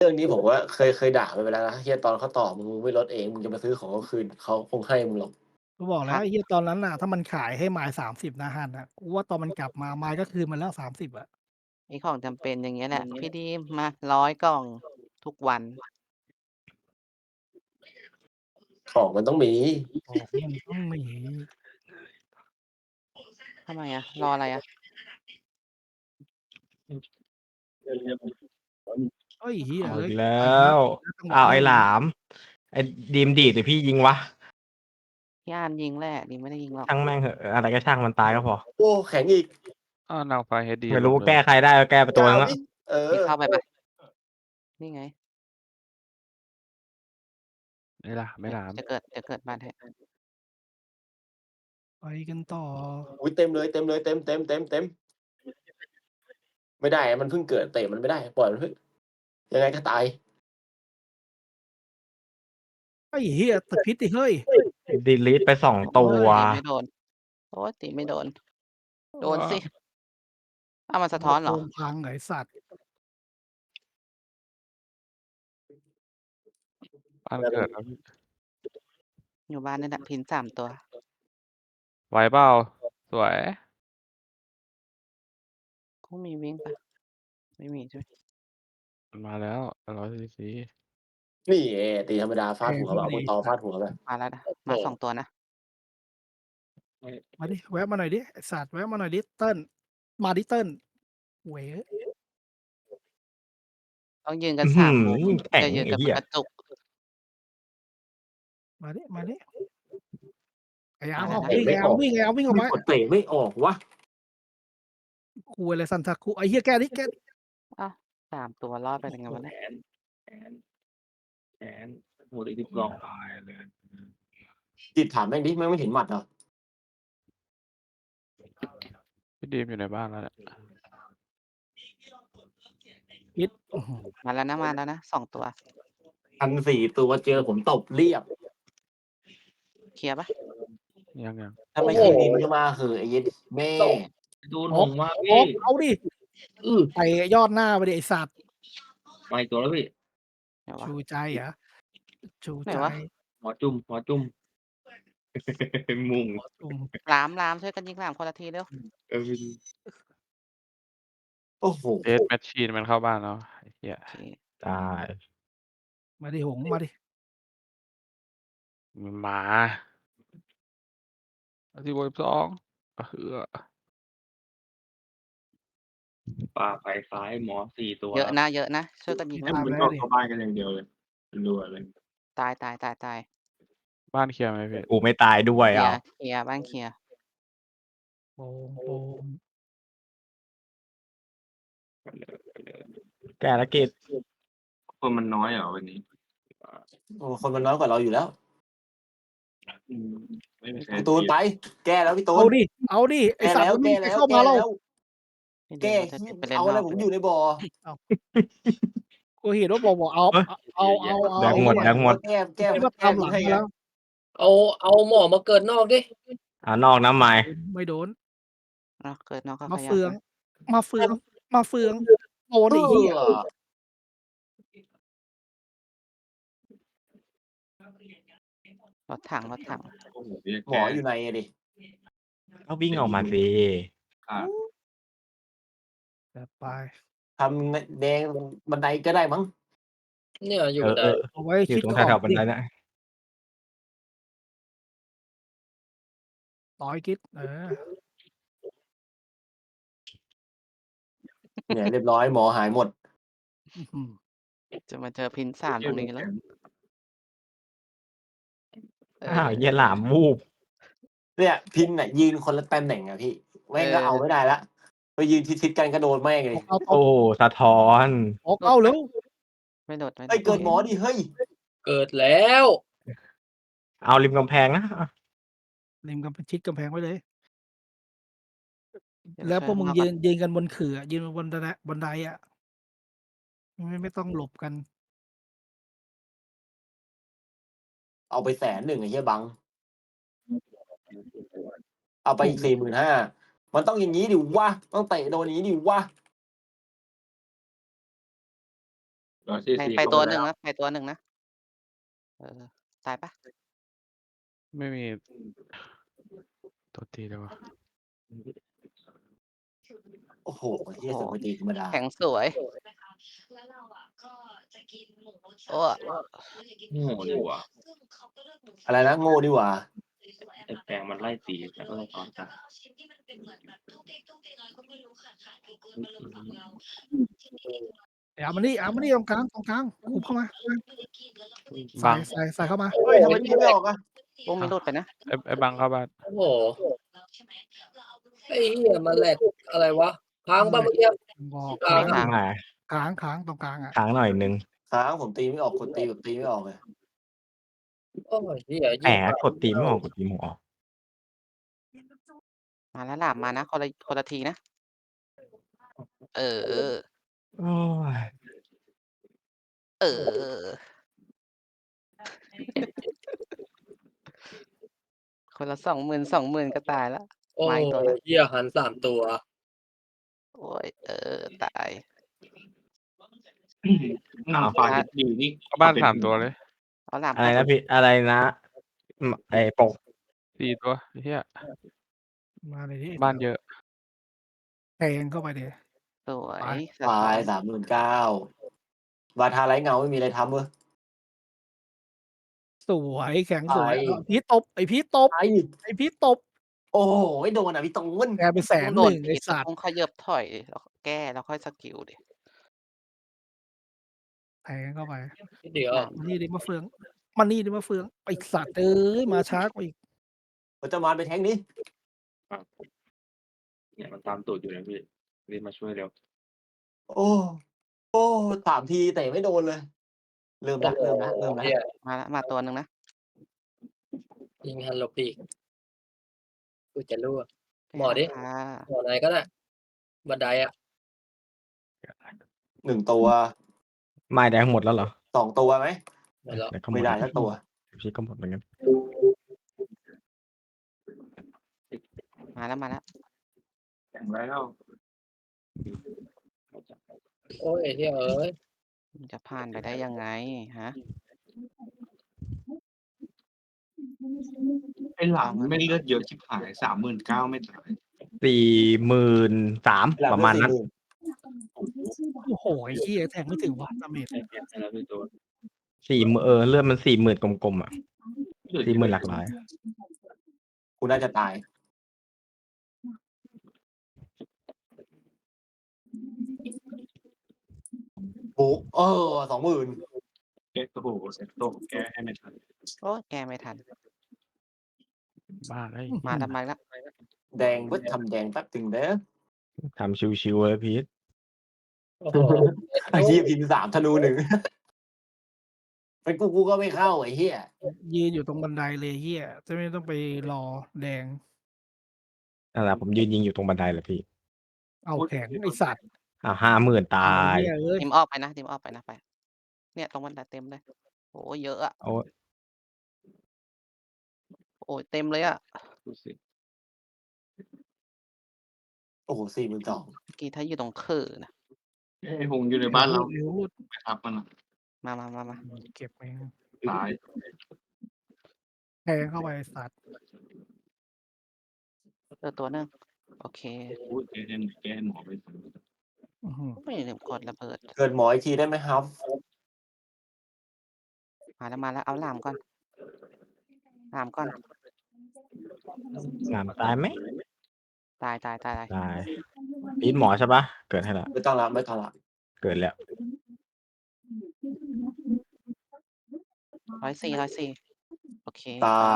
เรื่องนี้ผมว่าเคยด่ามันไปแล้วนะเฮียตอนเขาต่อมึงไม่ลดเองมึงจะมาซื้อของเขาคืนเขาคงให้มึงหรอกกูบอกแล้วพักไอ้เหี้ยตอนนั้นน่ะถ้ามันขายให้ไม้30นะฮั่นน่ะกูว่าตอนมันกลับมาไม้ก็คืนมันแล้ว30อะไอ้ของจำเป็นอย่างเงี้ยแหละพี่ดีมมา100กล่องทุกวันของมันต้องมีของมันต้องมีทำไมอะรออะไรอะเฮ้ยเหี้ยเอาเอ้ยอีกแล้ไปแล้ววไปแล้วจังหวะอ้าวไอ้นี้เลยหลามไอ้ดีมดีดหรือพี่ยิงวะพี่อาร์มยิงแหละดีมไม่ได้ยิงหรอกช่างแม่งเหอะอะไรก็ช่างมันตายก็พอโอ้แข็งอีกอ้าวนางฟ้า HD ไม่ลงด้วยเหรอรู้แก้ใครได้ก็แก้ไปตัวนึงละก้าวดิเอพี่อเข้าไปเปล่านี่ไงไม่หลามจะเกิดบ้านให้ไปกันต่ออุ๊ยเต็มเลยเต็มเลยเต็มไม่ได้มันเพิ่งเกิดเตะมันไม่ได้ปล่อยมันเถอะยังไงก็ตายไอ้เหี้ยตึกพิษดิเฮ้ยดีลีทไป2 โอ๊ตัวยตีไม่โดนโอ๊ยตีไม่โดนโดนสิอ้าวมันสะท้อนเหรอลำโพงพังเหรอไอ้สัตว์บ้านเกิดแล้วพี่อยู่บ้านนี่แหละพิน3ตัวไหวเปล่าสวยคงมีวิ่งเปล่าไม่มีใช่ไหมมันมาแล้ว100 cc นี่ตีธรรมดาแพฟาดหัวแบบงขึ้นมาเอามือตอดิไอ้สัตว์ฟาดหัวแบบมาแล้วนะมาโอ้ 2ตัวนะมาดิแวะมาหน่อยดิไอ้สัตว์แวะมาหน่อยดิเติ้ลมาดิเติ้ลเว้ยต้องยืนกันอื้อหื 3มุมอแข็งอย่ายืนกันเป็ไอ้เหี้ยนกระจุกมาดิไอ้อาร์มอะไรนะออกวิ่งไอ้อาร์มวิ่งไอ้อาร์มวิ่งออกมีมากดเตะไม่ออกวะคุยอะไรสันทักคุไอ้เหี้ยแก้ดิแก้ดิอ้าว3ตัวรอดไปได้ไงวะเนี่ยแขนหมดอีก10กล่องตายเลยจิตถามแม่งดิแม่งไม่เห็นหมัดเหรอพี่ดีมอยู่ในบ้านแล้วเนี่ยพิษอื้อหือมาแล้วนะ2ตัว 1,400ตัวเจอผมตบเรียบเคลียร์เปล่ายังถ้าไม่ใช่ดินก็มาเหอะไอ้เย็ดแม่โดนอหอกงมาอพี่อกเอาดิอื้อไปยอดหน้าไปดิไอ้สัตว์มาอีกตัวแล้วพี่ไหนวะชูใจเหรอชูไหนใจวะหัวจุ่มมุงจุ่มหลามช่วยกันยิงหลามคนละทีเร็วพี่โอ้โหเดสแมชชีนมันเข้าบ้านแล้วไอ้เหี้ยโอเคตายมาดิหงมาดิมันมาที่22เฮือป่าไฟซ้ายหมอ4ตัวเยอะนะช่วยกันยิงให้แล้วมันเข้าเข้าบ้านกันอย่างเดียวเลยรัวเลยตายบ้านเคลียร์ไหมพี่กูไม่ตายด้วยเคลียเอาร์เคลียร์บ้านเคลียร์โป่งโป่งแก้ละกิจคนมันน้อยเหรอวันนี้โอ้คนมันน้อยกว่าเราอยู่แล้วอืมไม่มีใครพี่ตูนไป แก้แล้วพี่ตูเอานดิเอาดิไอ้แก้สัตว์แล้วมันไม่แก้มีใครแล้วเข้าแก้มาเราแล้วพี่ดีแก้มจะไปเล่นเอานอะไรอกผมเลยอยู่ในบ่อกูเห็นว่าบอกเอาเอาแดงหมดแดงหมดแก้ที่มาตามหลังให้มาแล้วเอาหมอมาเกิดนอกดินอกน้ำไม้ไม่โดนเนาะเกิดน้องก็มาขยับเฟืองนะมาเฟืองโดนไอ้เหี้ยรถถังโอ้โหพี่หมออยู่ในอะดิก็วิ่งออกมาสิอ่ะจัดไปทำแดงบันไดก็ได้มั้งเนี่ยอยู่เออได้เอาไว้อยู่คิดตรงก็อแถอวกๆบันดิไดนะต่อยคิดเนี่ยเรียบร้อยหมอหายหมดอื้อหือจะมาเจอพิน3ตรงนี้แล้วอ้าวเหี้ยหลามวูบเนี่ยพินน่ะยืนคนละตำแหน่งอะพี่แม่งก็เอาไม่ได้ละไปยืนทิศกันก็โดนแม่งเลยเอาโอ้สะท้อนออกเอาเร็วไม่โดดเฮ้ยเกิดหมอดิเฮ้ยเกิดแล้วเอาริมกำแพงนะริมกำแพงชิดกำแพงไว้เลยเดี๋ยแล้วพวกมึงช่ยข้างนอยืนกันบนขื่อยืนบนบันไดอะไม่ต้องหลบกันเอาไป100,000ไอ้เหี้ยบัง เอาไปอีก45,000มันต้องอย่างนี้ดิวะต้องเตะโดนอย่างนี้ดิวะโดไปตัวหนึ่งนะไปตัวหนึ่งนะตายปะไม่มีตัวตีเลยวะโอ้โหเฮียสมัยตีธรรมดาแข็งสวยโอ้โง่ดีกว่าอะไรนะโง่ดีกว่าไอ้แปลงมันไล่ตีแต่ก็ต้องตอนตายเอามานี่ตรงกลางคุบเข้ามาบัใส่เข้ามาเฮ้ยทำไมตีไม่ออกอะปุ้มไม่หลุดไปนะไอ้บังเข้าบ้านโอ้โหไอ้เหี้ยมันแหลกอะไรวะค้างบ้างเมื่อกี้บอกไม่ค้างมาค้างตรงกลางอ่ะค้างหน่อยนึงค้างผมตีไม่ออกกดตีแบบตีไม่ออกเลยโอ้ยเหี้ยแหมกดตีไม่ออกกดตีไม่ออกมาแล้วหลามมานะคนละทีนะเออโอ้ยคนละ20,000ก็ตายแล้วโอ้มาอีกตัวนะเหี้ยหัน3 ตัวโอ้ยตายนางฟ้าที่อยู่นี่เข้าบ้าน3 ตัวเลยเอาหลามอะไรนะพี่อะไรนะไอ้ปก 4 ตัวเฮียมาเลยที่บ้านเยอะแทงเข้าไปเลยสวยตาย39,000วาทาไรเงาไม่มีอะไรทำเว้ยสวยแข็งสวยไปพีทตบไอพีทตบไอ้ไอพีทตบโอ้โหไม่โดนอ่ะพี่ตูนแกไป100,000 โดนไอผิดสัตว์ต้องขยับถอยแล้วแก้แล้วค่อยสกิลดิแทงเข้าไปเดี๋ยวมันนี่ดิมาเฟืองไอสัตว์เอ้ยมาช้ากว่าอีกผมจะมาไปแทงนี้เนี่ยมันตามตูดอยู่นะพี่รีบมาช่วยเร็วโอ้3 ทีแต่ไม่โดนเลย เริ่มละเหี้ยมาตัวหนึ่งนะยิงหันหลบปีกกูจะรั่ว หมอดิค่ะหมอไหนก็ได้บันไดอ่ะ 1 ตัวไม้แดงหมดแล้วเหรอ 2 ตัวไหมหมดแล้วเดี๋ยวก็หมไม่ดได้สักตัวพี่ก็หมดเหมือนกันมาแล้วแข่งแล้วโอ้ยไอ้เหี้ยเอ้ยจะผ่านไปได้ยังไงฮะไอ้หลามไม่เลือดเยอะชิบหาย39,000ไม่ตาย 43,000ประมาณนั้นโอ้โหไอ้เหี้ยแทงไม่ถึงว่ะดาเมจไอ้แกแล้วพี่ตัว 40,000เลือดมัน40,000กลมๆอ่ะ40,000หลักร้อยกูน่าจะตายโอ้20,000 แกโอ้โหเซ็ตโตแกให้ไม่ทันโอ้ยแก้ไม่ทันบ้านไอ้มาทำไมละแดงเบิดทำแดงแป๊บถึงเด้อทำชิวๆเลยพีทโอ้โหไอ้เหี้ยพิมพ์3ธนู 1 เป็นกูก็ไม่เข้าไอ้เหี้ยยืนอยู่ตรงบันไดเลยเหี้ยจะไม่ต้องไปรอแดงนั่นแหละผมยืนยิงอยู่ตรงบันไดเลยพี่เอาแข็งไอสัตว์ 50,000ตายเหี้ยเอ้ยทีมออกไปนะไป เนี่ยตรงบันไดเต็มเลยโอ้ยเยอะอะโอ้โอ้ยเต็มเลยอะดูสิโอ้โห42,000 เมื่อกี้ถ้าอยู่ตรงคือนะไอ้หงอยู่ในบ้านเราเร็วไปทับมันอะมาเก็บเองตายแทงเข้าไปไอ้สัตว์ตัวหนึงโอเคโอ้ยแกให้หมอไปอื้อหือไม่ลืมกดระเบิดเกิดหมออีกทีได้ไหมครับมาแล้วเอาหลามก่อนงามตายไหมตายตายพีทหมอใช่ปะเกิดให้ละไม่ต้องละไม่ต้องละเกิดแล้ว 104โอเคตาย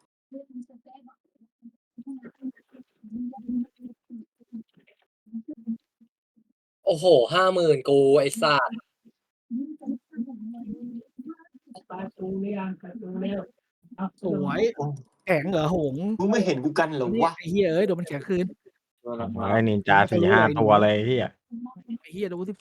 โอ้โห50,000กูไอ้สัตว์สวยแข็งเหรอหงมึงไม่เห็นกูกันเหรอวะไอ้เหี้ยเอ้ยโดนมันแข็งคืนไอ้นินจา4-5 ตัวเลยพี่อ่ะไอ้เหี้ยโดน12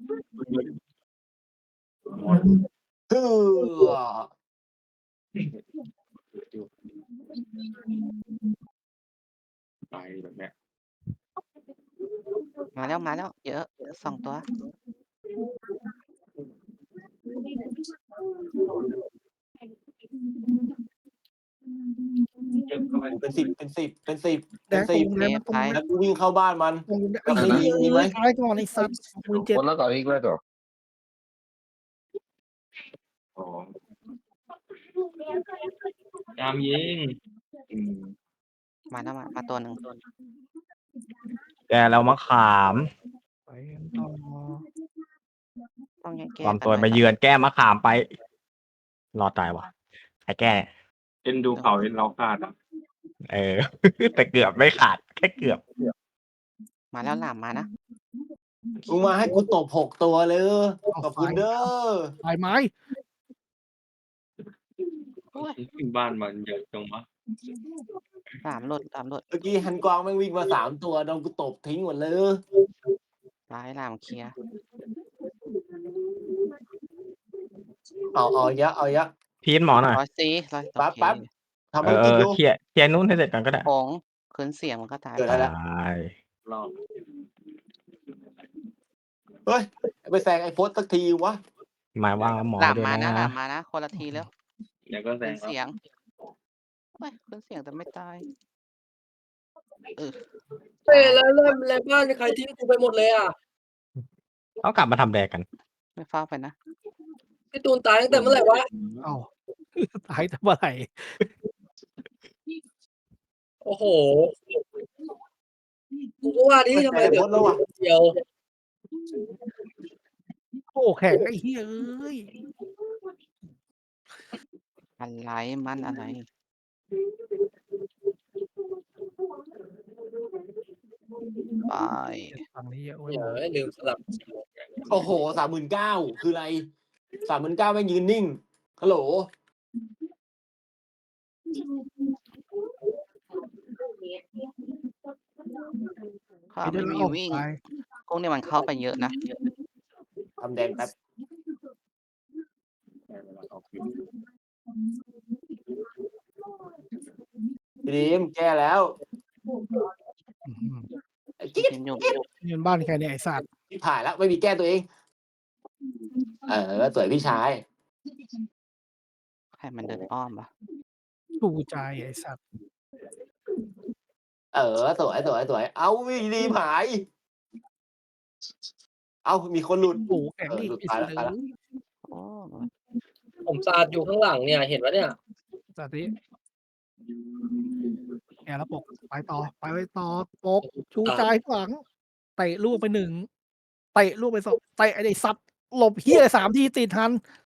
เฮ้อตายแบบเนี้ยมาแล้วเยอะ2 ตัวเป็นสิบเป็นสิบเป็นสิบแดเป็นงตรสิบงแดงมันตรงแล้วกูวิ่งเข้าบ้านมันตรงไอ้แบบเหี้นี้ยมีไหมตายก่อนไอ้สัตว์17,000 Con nó gọi đi rồi. อ๋อตามยิงอืมมาแล้วมาตัวหนึ่งแกเรามาขามไปกันต่อต้องแยกแก้ความกันตัวหน่มาอยเยือนแก้มาขามไป รอดตายว่ะไอ้แก้เอ็นดูเขาเอ็นเราขาดอ่ะเออ แต่เกือบไม่ขาดแค่เกือบมาแล้วหลามมานะมึงมาให้กูตบ6 ตัวเลยขอบคุณเด้อตายไม้โอ้ยขึ้นบ้านมันเยอะจังวะหลามหลุดเมื่อกี้ฮันกวางแม่งวิ่งมา3 ตัวโดนกูตบทิ้งหมดเลยร้ายหลามเคลียร์เอาเยอะเอาเยอะพีทหมอหน่อย 104 100 ปั๊บโอเคปั๊บ ทำเอภารอกิจอยู่เคลียร์นู้นให้เสร็จก่อนก็ได้ผงคืนเสียงมันก็ตายเกิดไปอะไรตายรอบเฮ้ยไปแซงไอ้โพสสักทีวะหมายว่าหมอหลามด้วยมานะหลานะมมานะคนละทีแล้วเดี๋ยวก็แซคืงนเสียงโอ้ยคืนเสียงแต่ไม่ตายเฮ้ยแล้วบ้านใครทิ้งกูไปหมดเลยอ่ะเขากลับมาทำแดกกันไม่เฝ้าไปนะพี่ตูนตายตั้งแต่เมื่อไหร่วะเอ้า ตายแต่เมื่อไหร่โอ้โหกูก็ว่าดิทำไมไอ้เดี๋โพยวสแล้ววะเดียวโอ้แข็งไอ้เหี้ยเอ้ยอะไรมันอะไร ไปฝั่งนี้เยอะเว้ยเดี๋หยมวอลืมสลับโอ้โห39,000คืออะไร39,000แม่งยืนนิ่งฮัลโหลข้าไม่ได้ไม่แล้วมีออกวิ่งไปกุ้งเนี่ยมันเข้าไปเยอะนะทำแดงแป๊บพี่ดีมแก้แล้วอื้อหือไอ้จิ๊ดกินอยู่นี่มันบ้านใครเนี่ยไอ้สัตว์ที่ผ่านแล้วไม่มีแก้ตัวเอง สวยพี่ชายใครมันเดินอ้อมปะชูใจไอ้สัตว์สวยเอาพี่ดีมหาย เอามีคนหลุดโอ้แข็งอีกหลุดไอ้ตายสัแล้ตวว์โอ้ผมสาดอยู่ข้างหลังเนี่ย เห็นปะเนี่ยสัตว์นี้แกแล้วปกไปต่อปกชูใจหลังเตะลูกไป1เตะลูกไป2เตะไอ้สัตว์หลบเหี้ย3 ทีติดทัน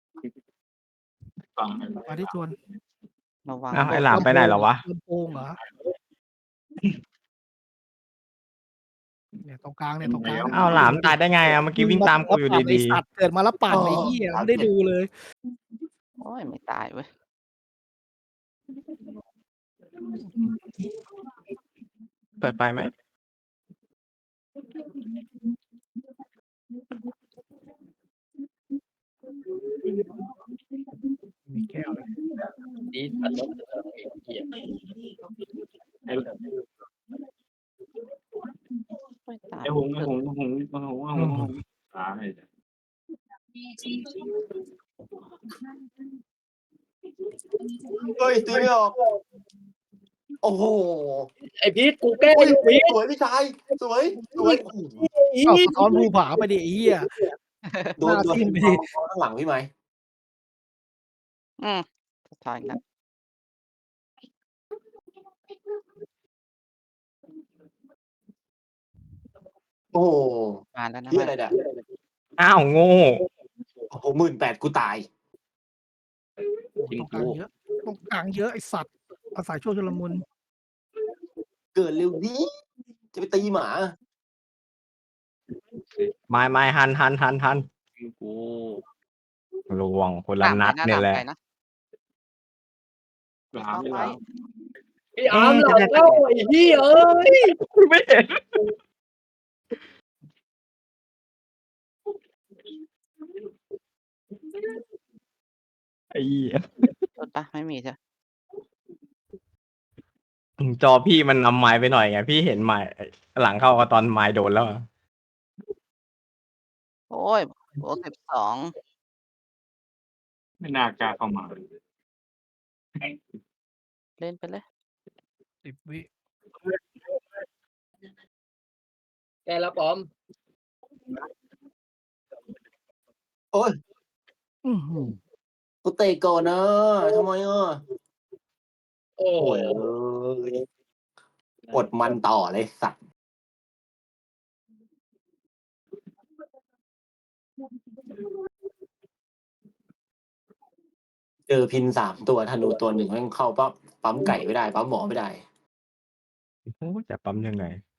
ฟังมาที่ชวนระวังอ้าวไอ้หลามไปไหนแล้ววะลำโพงเหรอเนี่ยตรงกลางเนี่ยตรงกลางอ้าวหลามตายได้ไงอ่ะเมื่อกี้วิ่งตามกูอยู่ไอ้ดีสัตว์เกิดมาแล้วปั่นไอ้เหี้ยไม่ได้ดูเลยโอ้ยไม่ตายเว้ยๆเปิดไปไหมมีแก้วเลยนี่อันลบเหี้ยไม่ตายไอ้หงตายเฮ้ยตีไม่ออก โอ้โหไอพีทกูแก้อยู่พีทสวยพี่ชายสวยเอาสะท้อนภูผาไปดิไอ้เหี้ยโดนหน้าทิ่มไปดิข้างหลังพี่ไหมสะท้อนอีกแล้วโอ้โหมาแล้วนะที่อะไรเนี่ยอ้าวโง่โอ้โห18,000กูตายตรงกลางเยอะตรงกลางเยอะไอ้สัตว์อาศัยช่วงชุลมุนเกิดเร็วนี้จะไปตีหมาไม่หันกูลวงคนละนัดเนี่ยแหละไปนะหลามไม่หลามพี่อาร์มหลังเข้าไอ้เหี้ยเอ้ยไม่เห็นไอ้เหี้ยรถปะไม่มีใช่จอพี่มันนำไม้ไปหน่อยไงพี่เห็นไม้หลังเข้าก็ตอนไม้โดนแล้วอะโอ้ยโอ้12 ไม่น่ากล้าเข้ามาเล่นไปเลย 10 วิแกแล้วปอมโอ้ยอื้อหือกูเตะก่อนนะทำไมอ่ะโอ้โอ้ยกดมันต่อเลยสัตว์เจอพิน3 ตัวธนูตัวหนึ่งแม่งเข้าปั๊มไก่ไม่ได้ปั๊มหมอไม่ได้โอ้จะปั๊มยังไง